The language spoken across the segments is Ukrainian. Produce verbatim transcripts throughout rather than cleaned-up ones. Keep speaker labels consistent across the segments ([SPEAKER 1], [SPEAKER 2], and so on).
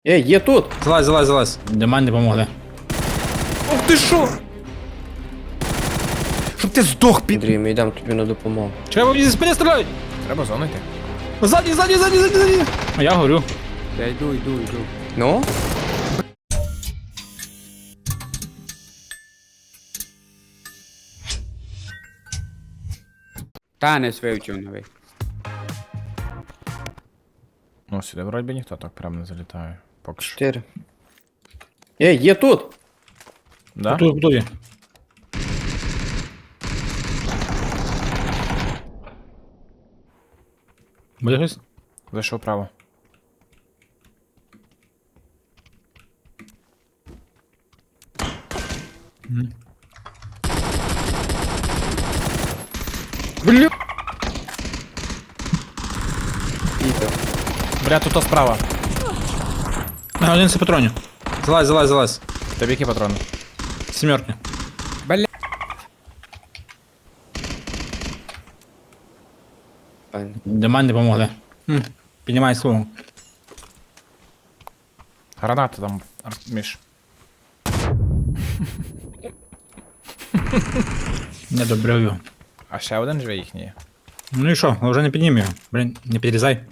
[SPEAKER 1] Ей, є тут!
[SPEAKER 2] Залазь, залазь, залазь. Для мене не помогли.
[SPEAKER 1] Ох ти що?
[SPEAKER 2] Щоб ти здох, пі...
[SPEAKER 1] Андрій, ми йдемо тобі на допомогу.
[SPEAKER 2] Треба мені зі спини стріляють!
[SPEAKER 3] Треба зону йти.
[SPEAKER 2] Ззаді, ззаді, ззаді, ззаді, ззаді. А я горю.
[SPEAKER 3] Я йду, йду, йду.
[SPEAKER 1] Ну?
[SPEAKER 3] Танець вивчив новий.
[SPEAKER 4] Ну, сюди вроді би ніхто так прям не залітає. Поки що.
[SPEAKER 1] Чотири. Ей, є тут!
[SPEAKER 4] Да?
[SPEAKER 2] Тут, готові. Буде хтось?
[SPEAKER 4] Зайшов право.
[SPEAKER 1] Бля! Піде.
[SPEAKER 4] Бля, тут то справа.
[SPEAKER 2] На один патронів. Залазь, залазь, залазь.
[SPEAKER 4] Тобі які патрони?
[SPEAKER 2] Сімерки.
[SPEAKER 1] Файно.
[SPEAKER 2] Для мене не помогли. Хм. Піднімай слово.
[SPEAKER 4] Граната там, Ар- Міш.
[SPEAKER 2] Не добрив його.
[SPEAKER 4] А ще один живе їхній.
[SPEAKER 2] Ну і що, вже не піднім його. Блін, не підрізай.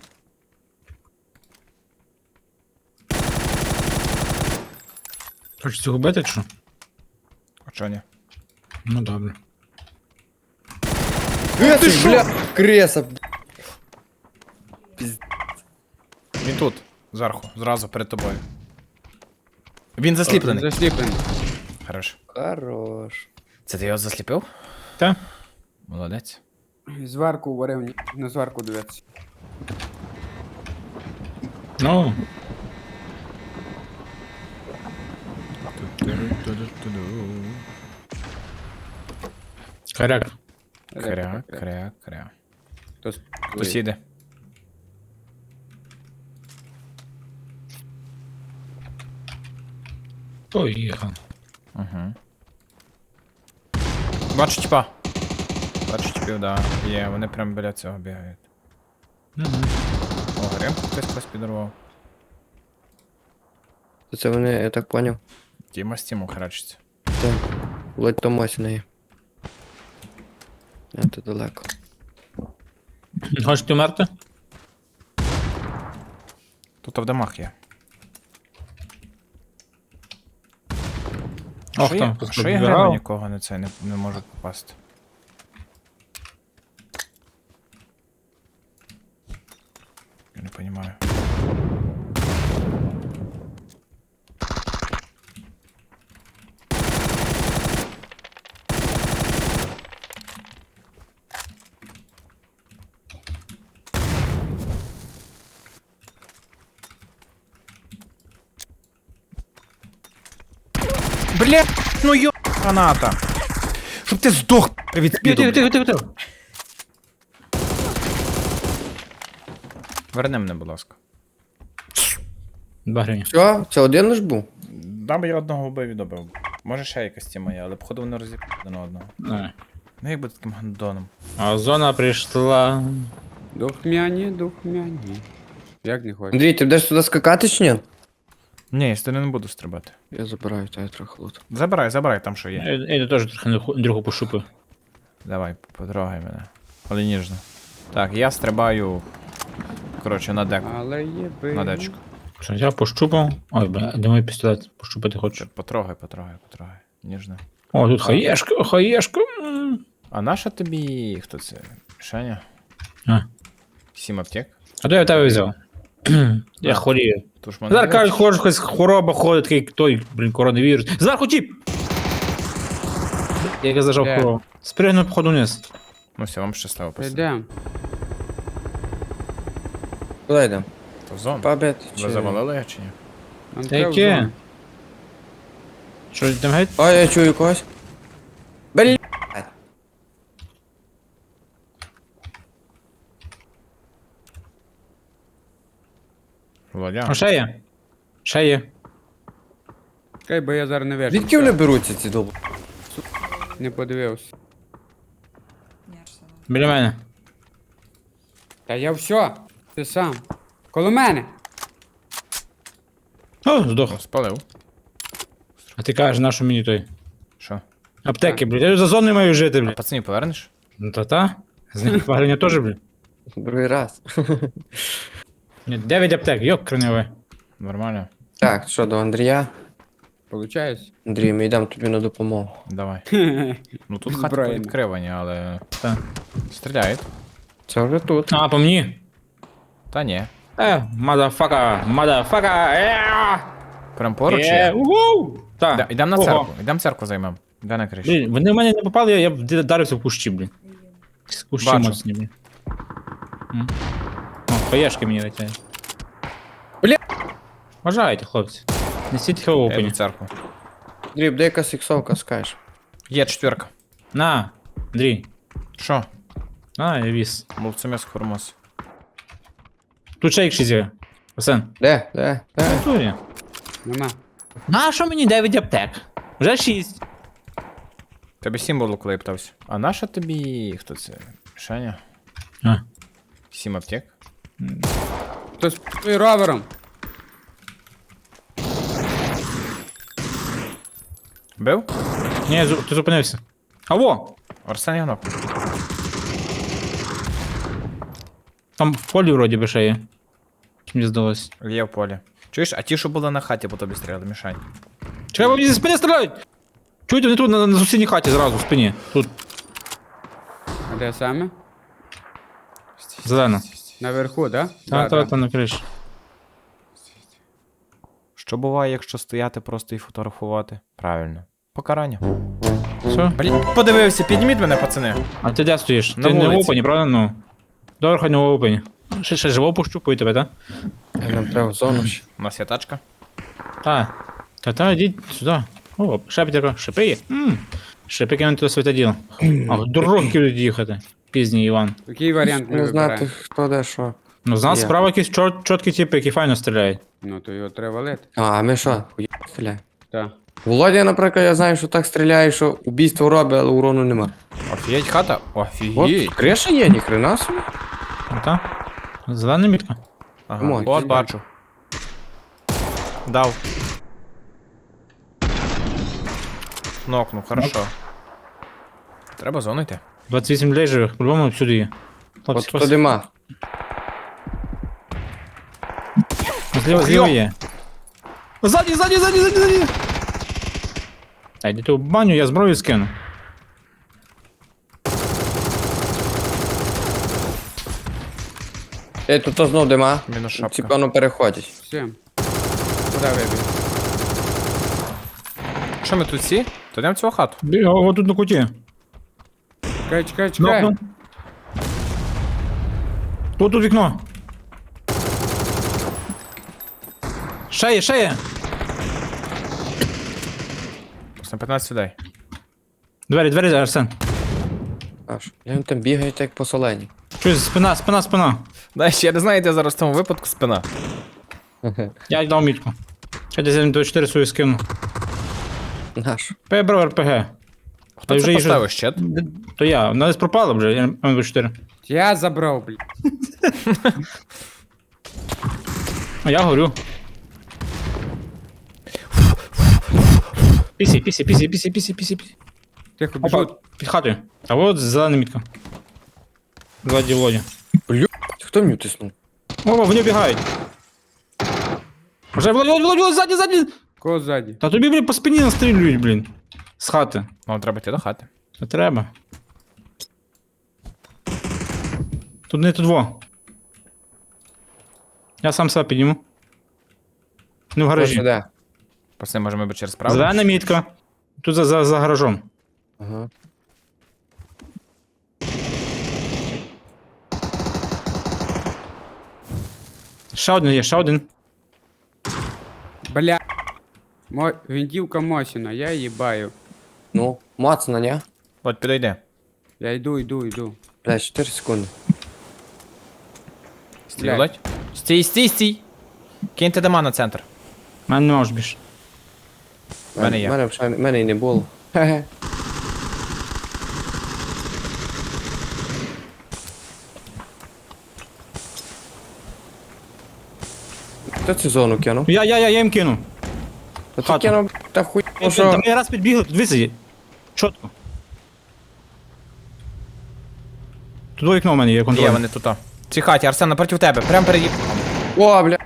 [SPEAKER 2] Хочеш цього бити, чи що?
[SPEAKER 4] А чого ні?
[SPEAKER 2] Ну добре.
[SPEAKER 1] Е, ти що? Бля, креса.
[SPEAKER 4] Він тут, зверху, зразу перед тобою. Він засліплений.
[SPEAKER 3] Засліплений.
[SPEAKER 4] Хорош.
[SPEAKER 1] Хорош.
[SPEAKER 4] Це ти його засліпив?
[SPEAKER 2] Та?
[SPEAKER 4] Молодець.
[SPEAKER 3] Зварку варив, ні- на зварку дивиться.
[SPEAKER 2] Ну, коряк.
[SPEAKER 4] Кря, кря, кря.
[SPEAKER 3] Хтось
[SPEAKER 4] Хтось їде.
[SPEAKER 2] Поїхав.
[SPEAKER 4] Угу. Бачу тіпа. Бачу тіпів, да. Є, вони прям біля цього бігають.
[SPEAKER 2] Мгм.
[SPEAKER 4] О, гримку хтось хтось підорвав.
[SPEAKER 1] То це вони, я так поняв.
[SPEAKER 4] Тіма з Тімом храчиться.
[SPEAKER 1] Так. Ледь Томась в неї. А то далеко.
[SPEAKER 2] Хочеш ти вмерти?
[SPEAKER 4] Тут в домах є.
[SPEAKER 2] Ох,
[SPEAKER 4] Що
[SPEAKER 2] там
[SPEAKER 4] я,
[SPEAKER 2] хтось
[SPEAKER 4] що я
[SPEAKER 2] підбирав.
[SPEAKER 4] граю нікого на це не, не можу попасти. Я не розумію. Бля, ну йо... граната. Щоб ти здох від
[SPEAKER 2] Тихо,
[SPEAKER 4] спіду.
[SPEAKER 2] тихо,
[SPEAKER 4] бля.
[SPEAKER 2] тихо, тихо, тихо.
[SPEAKER 4] Верни мене, будь ласка.
[SPEAKER 2] Два гривні.
[SPEAKER 1] Що? Це один лиш був?
[SPEAKER 4] Дам я одного вбив і добив. Може ще якась тема є, але походу вони розіб'ють один одного.
[SPEAKER 2] Не.
[SPEAKER 4] Ну як би таким гандоном.
[SPEAKER 2] А зона прийшла.
[SPEAKER 3] Духмяні, духмяні. Як не хочеш?
[SPEAKER 1] Андрій, ти будеш туди скакати чи ні?
[SPEAKER 4] Ні, я з не буду стрибати.
[SPEAKER 1] Я забираю тебе трохи лут.
[SPEAKER 4] Забирай, забирай там, що є.
[SPEAKER 2] Я, я теж трохи наху- другу пошупив.
[SPEAKER 4] Давай, потрогай мене. Але ніжно. Так, я стрибаю. Коротше, на деку.
[SPEAKER 3] Але є би.
[SPEAKER 4] На дечку.
[SPEAKER 2] Що, я пощупав. Ой, бля, де мій пістолет? Пощупати хочу.
[SPEAKER 4] Потрогай, потрогай, потрогай. Ніжно.
[SPEAKER 2] О, тут хаєшка, хаєшка. М.
[SPEAKER 4] А наша тобі. Хто це? Шаня?
[SPEAKER 2] А.
[SPEAKER 4] Сім аптек?
[SPEAKER 2] А то я в тебе взяв. Я хворію.
[SPEAKER 4] Тож мене.
[SPEAKER 2] Зараз кажуть, хоже, якась хвороба ходить, такий той, блін, коронавірус. Зверху тіп! Як я зажав
[SPEAKER 3] Де?
[SPEAKER 2] хворобу. Спригнув походу вниз.
[SPEAKER 4] Ну все, вам щасливо пацани.
[SPEAKER 3] Йдем.
[SPEAKER 1] Куди йдемо?
[SPEAKER 4] То в зону.
[SPEAKER 1] Пабет
[SPEAKER 4] Ви
[SPEAKER 1] чи...
[SPEAKER 4] завалили його чи ні?
[SPEAKER 3] Нам
[SPEAKER 2] Та
[SPEAKER 3] треба в
[SPEAKER 2] яке?
[SPEAKER 3] зону.
[SPEAKER 2] Що там геть?
[SPEAKER 1] Ой, я чую когось. Бля.
[SPEAKER 4] Володя.
[SPEAKER 2] А ще є. Ще є.
[SPEAKER 3] Чекай, бо я зараз не вижу.
[SPEAKER 1] Звідки вони беруться ці долб?
[SPEAKER 3] Не подивився.
[SPEAKER 2] Біля мене.
[SPEAKER 3] Та я все. Ти сам. Коло мене.
[SPEAKER 2] О, здох.
[SPEAKER 4] Спалив.
[SPEAKER 2] А ти кажеш, на що мені той?
[SPEAKER 4] Що?
[SPEAKER 2] Аптеки, блядь. Я ж за зоною маю жити,
[SPEAKER 4] А
[SPEAKER 2] блядь.
[SPEAKER 4] пацанів повернеш?
[SPEAKER 2] Ну та та. З них погрення теж, блядь.
[SPEAKER 1] Другий раз.
[SPEAKER 2] Ні, дев'ять аптек, йок, краньове.
[SPEAKER 4] Нормально.
[SPEAKER 1] Так, що, до Андрія?
[SPEAKER 3] Получається?
[SPEAKER 1] Андрій, ми йдемо тобі на допомогу.
[SPEAKER 4] Давай. Ну тут хати
[SPEAKER 3] Зброєно.
[SPEAKER 4] відкривані, але.
[SPEAKER 2] Та.
[SPEAKER 4] Стріляють.
[SPEAKER 1] Це вже тут.
[SPEAKER 2] А, по мені.
[SPEAKER 4] Та ні.
[SPEAKER 2] Е, мадафака, мадафака, е,
[SPEAKER 4] Прям поруч
[SPEAKER 2] е,
[SPEAKER 4] є.
[SPEAKER 2] угу.
[SPEAKER 4] Да,
[SPEAKER 2] Так.
[SPEAKER 4] Йдемо на
[SPEAKER 2] Ого.
[SPEAKER 4] церкву. Йдемо церкву займемо. Де на криші?
[SPEAKER 2] Блін, вони в мене не попали, я, я вдарився в кущі, блін. З кущі
[SPEAKER 4] Бачу.
[SPEAKER 2] моцні, блін. М. О, паєшки мені летять.
[SPEAKER 1] Бля.
[SPEAKER 2] Вважайте, хлопці. Несіть
[SPEAKER 4] Я йду
[SPEAKER 2] хелопені.
[SPEAKER 4] в церкву.
[SPEAKER 1] Андрій, де якась іксовка, скажеш?
[SPEAKER 4] Є четверка.
[SPEAKER 2] На, Андрій.
[SPEAKER 4] Що?
[SPEAKER 2] На, я віз.
[SPEAKER 4] Мовцемес хормос.
[SPEAKER 2] Тут ще ікші зі. Осен.
[SPEAKER 1] Де? Де? Де?
[SPEAKER 2] Тут є.
[SPEAKER 3] Нема.
[SPEAKER 2] На що мені дев'ять аптек? Вже шість.
[SPEAKER 4] Тебе сім було, коли я питався. А наша тобі. Хто це? Шаня?
[SPEAKER 2] А.
[SPEAKER 4] Сім аптек.
[SPEAKER 3] Хтось з ровером.
[SPEAKER 4] Бив?
[SPEAKER 2] Ні, зу- ти зупинився. А во!
[SPEAKER 4] Арсен Ягнок.
[SPEAKER 2] Там в полі вроді би ще є. Чи мені здалось.
[SPEAKER 4] Є в полі. Чуєш, а ті, що були на хаті, по тобі стріляли, мішань.
[SPEAKER 2] Чекай, бо мені зі спини стріляють! Чуєте, вони тут на, на сусідній хаті зразу, в спині. Тут,
[SPEAKER 3] А де саме?
[SPEAKER 2] зелена.
[SPEAKER 3] Наверху, да?
[SPEAKER 2] Та,
[SPEAKER 3] Да,
[SPEAKER 2] та,
[SPEAKER 3] да.
[SPEAKER 2] та, на криші.
[SPEAKER 4] Що буває, якщо стояти просто і фотографувати? Правильно. Покарання.
[SPEAKER 2] Все.
[SPEAKER 4] Блін, подивився, підніміть мене, пацани.
[SPEAKER 2] А ти де стоїш?
[SPEAKER 4] На
[SPEAKER 2] ти не в
[SPEAKER 4] вулиці.
[SPEAKER 2] опені, правда? Ну. Добре, хай не в опені. Ще, ще живо пощупаю тебе, так?
[SPEAKER 1] Нам треба в зону ще.
[SPEAKER 4] У нас є тачка.
[SPEAKER 2] Та. Та, та, йдіть сюди. О, шепіть, шипи є. М. Шипи кинути до святоділа. А в дорогу будуть їхати. Пізній Іван.
[SPEAKER 3] Який варіант ми
[SPEAKER 1] Не знати,
[SPEAKER 3] вибираємо?
[SPEAKER 1] хто де що.
[SPEAKER 2] Ну, з нас
[SPEAKER 1] Є.
[SPEAKER 2] справа якісь чот, чоткі типи, які файно стріляють.
[SPEAKER 3] Ну, то його треба валити.
[SPEAKER 1] А, а ми що? Хуя стріляє.
[SPEAKER 3] Так.
[SPEAKER 1] Володя, наприклад, я знаю, що так стріляє, що убійство робить, але урону нема.
[SPEAKER 4] Офігеть хата?
[SPEAKER 1] От,
[SPEAKER 4] Офігеть.
[SPEAKER 1] криша є, ніхрена собі.
[SPEAKER 2] Ну, та. Зелена мітка.
[SPEAKER 4] Ага.
[SPEAKER 1] Камон,
[SPEAKER 4] От
[SPEAKER 1] ти
[SPEAKER 4] бачу. Дав. Нокну, хорошо. Треба зону йти.
[SPEAKER 2] двадцять вісім людей живих, по-любому всюди є.
[SPEAKER 1] От
[SPEAKER 2] Хлопці,
[SPEAKER 1] хто дима.
[SPEAKER 2] Зліва, зліва є. Ззаді, ззаді, ззаді, ззаді, ззаді. Та йди ти в баню, я зброю скину.
[SPEAKER 1] Ей, тут то знов дима.
[SPEAKER 4] Мінус шапка.
[SPEAKER 1] Ці певно переходять.
[SPEAKER 3] Всім. Куди вибіг?
[SPEAKER 4] Що ми тут всі? То йдемо в цю хату.
[SPEAKER 2] Бі- О, о, тут на куті.
[SPEAKER 3] Чекай, чекай, чекай.
[SPEAKER 2] Нокну. Тут, тут вікно. Ще є, ще є.
[SPEAKER 4] Просто п'ятнадцять людей.
[SPEAKER 2] Двері, двері, Арсен.
[SPEAKER 1] Аж. Я він там бігає, так як по солені.
[SPEAKER 2] Щось, спина, спина, спина.
[SPEAKER 4] Дай ще, я не знаю, де зараз в тому випадку спина.
[SPEAKER 2] Я дав мітку. Ще десь до чотири свою скину.
[SPEAKER 1] Наш.
[SPEAKER 2] Пебро РПГ.
[SPEAKER 4] Хто
[SPEAKER 2] Та
[SPEAKER 4] це
[SPEAKER 2] вже їжу-
[SPEAKER 4] поставив щит?
[SPEAKER 2] То я, вона десь пропала вже, я ем двадцять чотири.
[SPEAKER 3] Я забрав, блін.
[SPEAKER 2] А я горю. Пісі, пісі, пісі, пісі, пісі, пісі, пісі.
[SPEAKER 3] Тихо,
[SPEAKER 2] Опа,
[SPEAKER 3] біжуть.
[SPEAKER 2] під хатою. А от зелена мітка. Ззаді Володя.
[SPEAKER 1] Хто мені тиснув?
[SPEAKER 2] О, вони бігають. Вже Володя, Володя, Володя, ззаді, ззаді.
[SPEAKER 3] Кого ззаді?
[SPEAKER 2] Та тобі, блін, по спині настрілюють, блін. З хати.
[SPEAKER 4] Нам треба йти до хати.
[SPEAKER 2] Не треба. Тут не тут во. Я сам себе підніму. Не в
[SPEAKER 1] Хто
[SPEAKER 2] гаражі.
[SPEAKER 1] де?
[SPEAKER 4] Пацани, може ми би через правду?
[SPEAKER 2] Зелена мітка. Тут за, за, за гаражом.
[SPEAKER 1] Ага.
[SPEAKER 2] Ще один є, ще один.
[SPEAKER 3] Бля. Мо... Вінтівка Мосіна, я їбаю.
[SPEAKER 1] Ну, мацно, ні?
[SPEAKER 4] От, підійди.
[SPEAKER 3] Я йду, йду, йду.
[SPEAKER 1] Бля, чотири секунди.
[SPEAKER 4] Стій,
[SPEAKER 3] Блядь.
[SPEAKER 4] Володь. Стій, стій, стій. Киньте дома на центр.
[SPEAKER 2] У мене нема ж більше.
[SPEAKER 4] В мене є.
[SPEAKER 1] Мене, вже- мене і не було. Хе-хе. Хто цю зону кинув?
[SPEAKER 2] Я, я, я, я їм кину.
[SPEAKER 1] Та ти
[SPEAKER 2] Хату.
[SPEAKER 1] кинув та хуй,
[SPEAKER 2] Та
[SPEAKER 1] ну що?
[SPEAKER 2] ми раз підбігли, тут висаді. Чотко. Тут вікно в мене є контроль.
[SPEAKER 4] Є, вони тут. В цій хаті, Арсен, напроти тебе, прямо переді.
[SPEAKER 1] О, бля.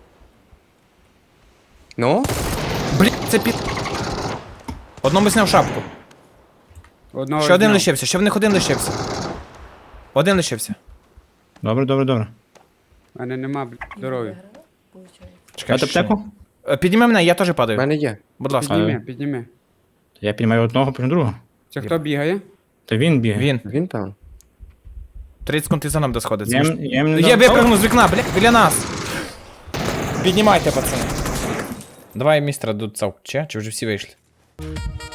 [SPEAKER 1] Ну?
[SPEAKER 4] Блін, це під. Одному зняв шапку.
[SPEAKER 3] Одного
[SPEAKER 4] Ще один
[SPEAKER 3] зняв.
[SPEAKER 4] лишився, ще в них один лишився. Один лишився.
[SPEAKER 2] Добре, добре, добре.
[SPEAKER 3] У мене нема, блядь, здоров'я.
[SPEAKER 4] Чекай,
[SPEAKER 2] Дати
[SPEAKER 4] ще.
[SPEAKER 2] аптеку?
[SPEAKER 4] Е, Підніми мене, я теж
[SPEAKER 1] В
[SPEAKER 4] падаю.
[SPEAKER 1] мене є.
[SPEAKER 4] Будь ласка.
[SPEAKER 3] Підніми, підніми.
[SPEAKER 2] Я піднімаю одного, потім другого.
[SPEAKER 3] Це хто бігає?
[SPEAKER 2] Та він бігає.
[SPEAKER 4] Він.
[SPEAKER 1] Він там.
[SPEAKER 4] тридцять секунд і за нам де сходиться.
[SPEAKER 2] Я їм- я їм не
[SPEAKER 4] Я
[SPEAKER 2] дав-
[SPEAKER 4] випрыгну з вікна, бля, біля нас. Піднімайте, пацани. Давай містера Дуцав. Чи? Чи вже всі вийшли?